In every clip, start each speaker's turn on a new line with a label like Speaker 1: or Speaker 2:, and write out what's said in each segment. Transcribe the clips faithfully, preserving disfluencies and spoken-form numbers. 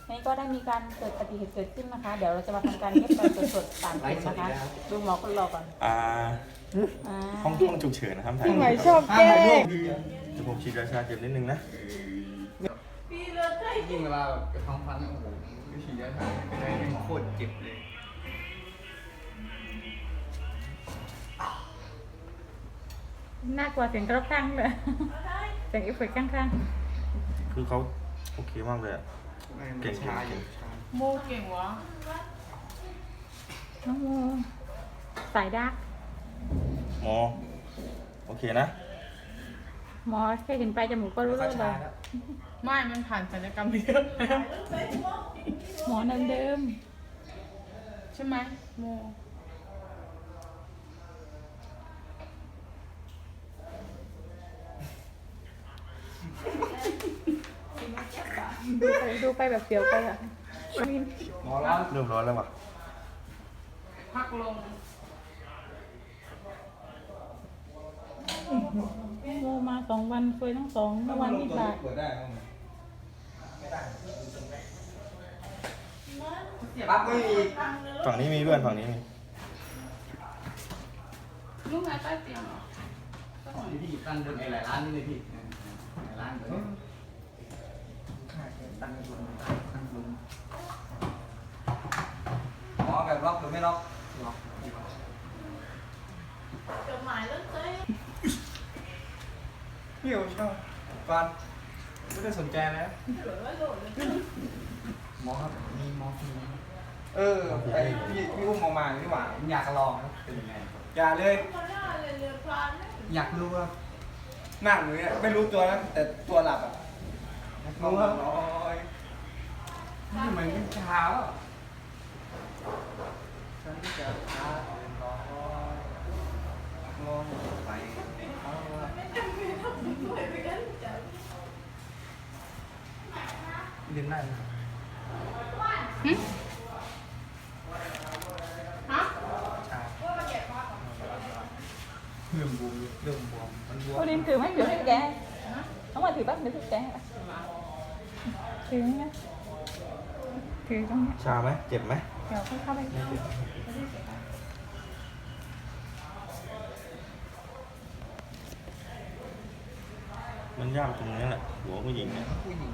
Speaker 1: นี่ก็ได้มีการเกิดปฏิเหตุเกิดขึ้นนะคะ เดี๋ยวเราจะมาทำการเย็บไปสดๆตามคลิปนะคะดูหมอคนรอก่อน
Speaker 2: อ่า
Speaker 1: อ่า
Speaker 2: ห้องห้องฉุกเฉินนะครับถ่าย
Speaker 3: พี่หมายชอบแกล้ง
Speaker 2: เดี๋ยวผมฉีดยาชาเจ็บนิดนึงนะ
Speaker 4: ยิ่งเวลาแบบกระท้องฟันเนี่ยโอ้โหวิธีการทำเป็นอะไรที่โคตรเจ็บเลย
Speaker 1: น่ากลัวเสียงกระข้างเลยเสียงเอฟเฟกต์ข้าง
Speaker 2: คือเขาโอเคมากเลยอะ เก่งๆ
Speaker 4: ชาอยู่ชา
Speaker 3: โมเก่งวะ
Speaker 1: ๆน้องโมสายดัก
Speaker 2: หมอโอเคนะ
Speaker 1: หมอแค่เห็นปลายจมูกก็รู้
Speaker 4: ก็
Speaker 1: เลย
Speaker 4: ชาแล้ว
Speaker 3: ไม่มันผ่านศัลยกรรมไปเยอะแล้ว
Speaker 1: หมอเดิม
Speaker 3: ใช่ไหมโม
Speaker 1: ๆดูไปดูไปแบบเสียวไปอ่ะมิน
Speaker 4: หมอร้อน
Speaker 2: เริ่มร้อนแล้วว่ะ
Speaker 3: พักลง
Speaker 1: โมมาสองวันเคยทั้งสองเมื่อวันที่บาท
Speaker 4: เปิดได้ไหมไม่ได้ปั๊บไม่มี
Speaker 2: ฝั่งนี้มีเพื่อนฝั่งนี้มี
Speaker 3: ลูกไงใต้เตียงเหรอ
Speaker 4: นี่พี่ตั้งบนไอ้หลายร้านนี่เลยพี่หลายร้านเลยตั้งบนตั้งบนหมอแบบล็อกหรือไม่ล็อกล็อก
Speaker 3: จดหมายเลิกเลย
Speaker 4: พี่ผมชอบก่อนไม่ได้สนใจแล้วหมอครับมีหมอฟรีเออไอพี่พี่อุ้มออกมาพี่หวานอยากลองเป็นยังไงอย่าเลยอยากรู้ว่าหน้าหนูเนี่ยไม่รู้ตัวนะแต่ตัวหลับอ่ะรู้ครับร้อยนี่เหมือนเป็นเช้าอ่ะฉันจะพาเดินร้อยลงไปเอาละเรียนได้ไหม
Speaker 3: ฮะ
Speaker 4: ใช่เรื่องบวมเรื่องบวมมันบวม
Speaker 1: โอ้ดินถือไม่ถือให้แกน้องมาถือแป๊บนึงถือแกถือไงถือตรงนี้
Speaker 2: ชาไหมเจ็บไหม
Speaker 1: เดี๋ยวค่อยเข้าไป
Speaker 2: ไม่เจ็บมันยากตรงนี้แหละหัวผู้หญิงเนี่ย
Speaker 4: ผู้หญิง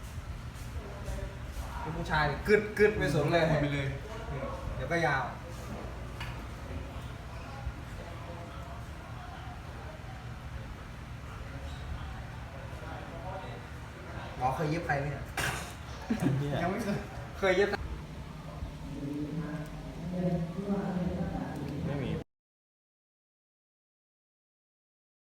Speaker 4: เป็นผู้ชายกึดกึดไปสนเลยไปเลย เดี๋ยวก็ยาวหมอเคยเย็บใครไหมเนี่ย ยังไม่เคย เคยเย็บ